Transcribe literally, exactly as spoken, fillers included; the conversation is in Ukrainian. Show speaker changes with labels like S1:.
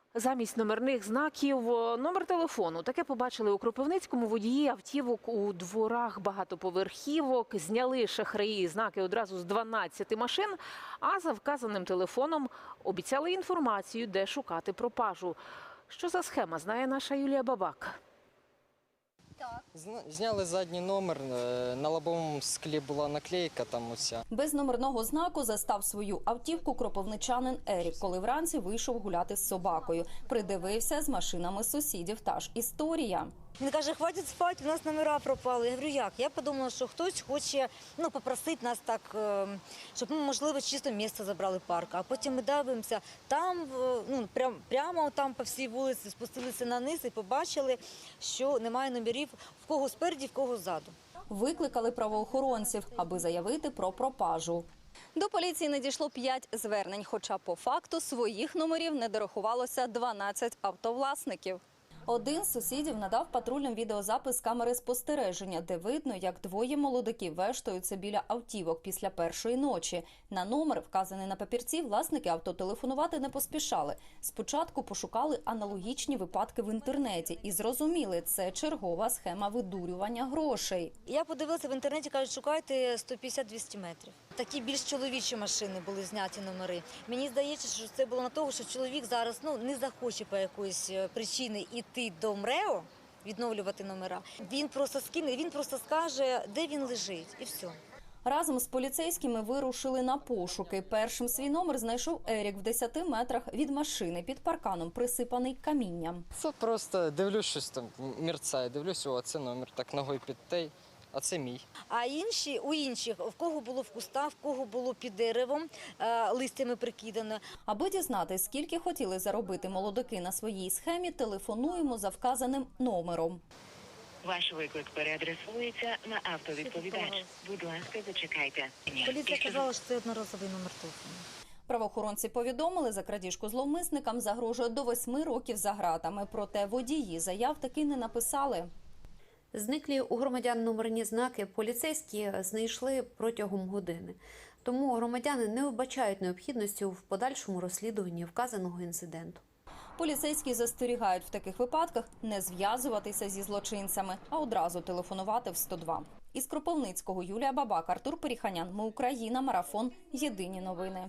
S1: Замість номерних знаків – номер телефону. Таке побачили у Кропивницькому водії автівок у дворах багатоповерхівок. Зняли шахраї знаки одразу з дванадцяти машин, а за вказаним телефоном обіцяли інформацію, де шукати пропажу. Що за схема, знає наша Юлія Бабак.
S2: Зняли задній номер, на лобовому склі була наклейка там уся.
S3: Без номерного знаку застав свою автівку кропивничанин Ерік, коли вранці вийшов гуляти з собакою. Придивився з машинами сусідів, та ж історія.
S4: Він каже, хватить спати, у нас номера пропали. Я говорю, як? Я подумала, що хтось хоче ну, попросити нас так, щоб ми, можливо, чисто місце забрали парк. А потім ми дивимося, там, ну, прям, прямо там по всій вулиці спустилися на низ і побачили, що немає номерів в кого спереді, в кого ззаду.
S3: Викликали правоохоронців, аби заявити про пропажу. До поліції надійшло п'ять звернень, хоча по факту своїх номерів не дорахувалося дванадцять автовласників. Один з сусідів надав патрульним відеозапис з камери спостереження, де видно, як двоє молодиків вештаються біля автівок після першої ночі. На номер, вказаний на папірці, власники авто телефонувати не поспішали. Спочатку пошукали аналогічні випадки в інтернеті і зрозуміли – це чергова схема видурювання грошей.
S4: Я подивилася в інтернеті, кажуть, шукайте сто п'ятдесят - двісті метрів. Такі більш чоловічі машини були зняті номери. Мені здається, що це було на того, що чоловік зараз ну, не захоче по якоїсь причині йти до МРЕО, відновлювати номера. Він просто скине, він просто скаже, де він лежить, і все.
S3: Разом з поліцейськими вирушили на пошуки. Першим свій номер знайшов Ерік в десяти метрах від машини, під парканом, присипаний камінням.
S2: Це просто дивлюсь, щось там мерцає, дивлюсь, о, це номер, так ногою підтей, а це мій.
S4: А інші, у інших, в кого було в кустах, в кого було під деревом, листями прикидано.
S3: Аби дізнатись, скільки хотіли заробити молодики на своїй схемі, телефонуємо за вказаним номером.
S5: Ваш виклик переадресується на автовідповідач. Будь ласка, зачекайте.
S4: Поліція казала, що це одноразовий номер телефону.
S3: Правоохоронці повідомили, за крадіжку зловмисникам загрожує до восьми років за ґратами. Проте водії заяв таки не написали.
S6: Зниклі у громадян номерні знаки поліцейські знайшли протягом години. Тому громадяни не вбачають необхідності в подальшому розслідуванні вказаного інциденту.
S3: Поліцейські застерігають в таких випадках не зв'язуватися зі злочинцями, а одразу телефонувати в сто два. Із Кропивницького Юлія Бабак, Артур Періханян. Ми Україна. Марафон. Єдині новини.